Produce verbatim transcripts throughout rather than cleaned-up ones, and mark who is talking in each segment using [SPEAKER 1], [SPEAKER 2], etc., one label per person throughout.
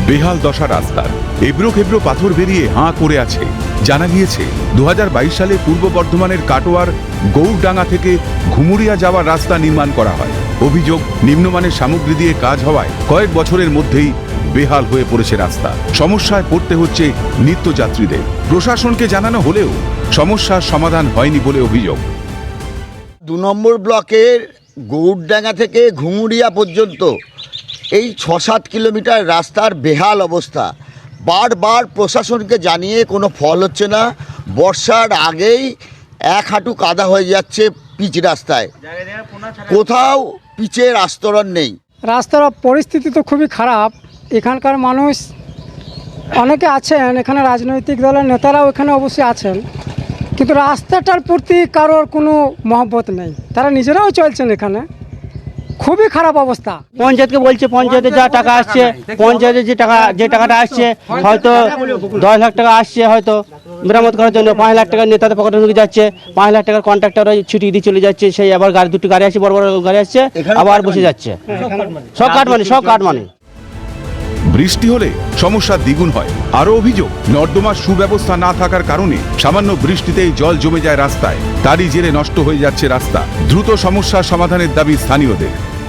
[SPEAKER 1] বেহাল দশা রাস্তার, এবড়ো খেবড়ো পাথর বেরিয়ে হাঁ করে আছে। জানা গিয়েছে দু হাজার বাইশ সালে পূর্ব বর্ধমানের কাটোয়ার গৌরডাঙ্গা থেকে ঘুমুরিয়া যাওয়ার রাস্তা নির্মাণ করা হয়। অভিযোগ, নিম্নমানের সামগ্রী দিয়ে কাজ হওয়ায় কয়েক বছরের মধ্যেই বেহাল হয়ে পড়েছে রাস্তা। সমস্যায় পড়তে হচ্ছে নিত্যযাত্রীদের। প্রশাসনকে জানানো হলেও সমস্যার সমাধান হয়নি বলে অভিযোগ।
[SPEAKER 2] দু নম্বর ব্লকের গৌরডাঙ্গা থেকে ঘুমুরিয়া পর্যন্ত এই ছ সাত কিলোমিটার রাস্তার বেহাল অবস্থা। বারবার প্রশাসনকে জানিয়ে কোনো ফল হচ্ছে না। বর্ষার আগেই এক হাঁটু কাদা হয়ে যাচ্ছে পিচ রাস্তায়, কোথাও পিচের আস্তরণ নেই।
[SPEAKER 3] রাস্তার পরিস্থিতি তো খুবই খারাপ। এখানকার মানুষ অনেকে আছেন, এখানে রাজনৈতিক দলের নেতারাও এখানে অবশ্যই আছেন, কিন্তু রাস্তাটার প্রতি কারোর কোনো মহব্বত নেই। তারা নিজেরাও চলছেন এখানে, খুবই খারাপ অবস্থা।
[SPEAKER 4] পঞ্চায়েতকে বলছে, পঞ্চায়েতে যা টাকা আসছে, পঞ্চায়েতে যে টাকা যে টাকাটা আসছে হয়তো দশ লাখ টাকা আসছে হয়তো মেরামত করার জন্য, পাঁচ লাখ টাকা নেতাদের পকেটে ঢুকে যাচ্ছে। পাঁচ লাখ টাকার কন্ট্রাক্টর ছুটি দিয়ে চলে যাচ্ছে, সেই আবার গাড়ি দুটি গাড়ি আসছে, বড় বড় গাড়ি আসছে, আবার বসে যাচ্ছে। সব কাটমানি, সব কাটমানি।
[SPEAKER 1] বৃষ্টি হলে সমস্যা দ্বিগুণ হয়। আরো অভিযোগ, নর্দমার সুব্যবস্থা না থাকার কারণে সামান্য বৃষ্টিতেই জল জমে যায় রাস্তায়। তারই জেরে নষ্ট হয়ে যাচ্ছে রাস্তা। দ্রুত সমস্যার সমাধানের দাবি স্থানীয়দের।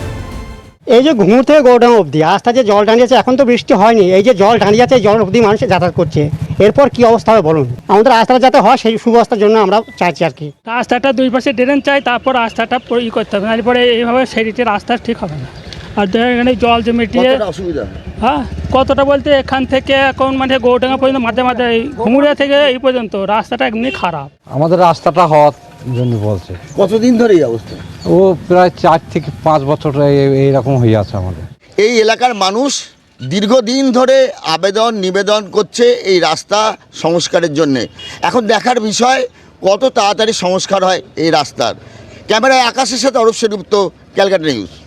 [SPEAKER 5] এই যে ঘুমুর থেকে গৌরডাঙ্গা অবধি রাস্তা যে জল দাঁড়িয়েছে, এখন তো বৃষ্টি হয়নি, এই যে জল দাঁড়িয়ে যাচ্ছে, এই জল অবধি মানুষ যাতায়াত করছে। এরপর কি অবস্থা হবে বলুন? আমাদের রাস্তাটা যাতে হয় সেই সুব্যবস্থার জন্য আমরা চাইছি আর কি।
[SPEAKER 6] রাস্তাটা দুই পাশে ড্রেন চাই, তারপর রাস্তাটা ই করতে হবে, তারপরে এইভাবে সেদিকে রাস্তা ঠিক হবে না। আর এখানে জল জমে দিয়ে
[SPEAKER 2] অসুবিধা
[SPEAKER 6] হ্যাঁ কতটা বলতে এখান থেকে এখন মানে গৌরডাঙ্গা পর্যন্ত মাঝে মাঝে এই ঘুমুরিয়া থেকে এই পর্যন্ত রাস্তাটা এমনি খারাপ।
[SPEAKER 7] আমাদের রাস্তাটা হওয়ার জন্য বলছে।
[SPEAKER 2] কতদিন ধরে এই অবস্থা?
[SPEAKER 7] ও প্রায় চার থেকে পাঁচ বছর এইরকম হয়ে আছে আমাদের।
[SPEAKER 2] এই এলাকার মানুষ দীর্ঘদিন ধরে আবেদন নিবেদন করছে এই রাস্তা সংস্কারের জন্যে। এখন দেখার বিষয় কত তাড়াতাড়ি সংস্কার হয় এই রাস্তার। ক্যামেরায় আকাশের সাথে অরূপ সেনগুপ্ত, ক্যালকাটা নিউজ।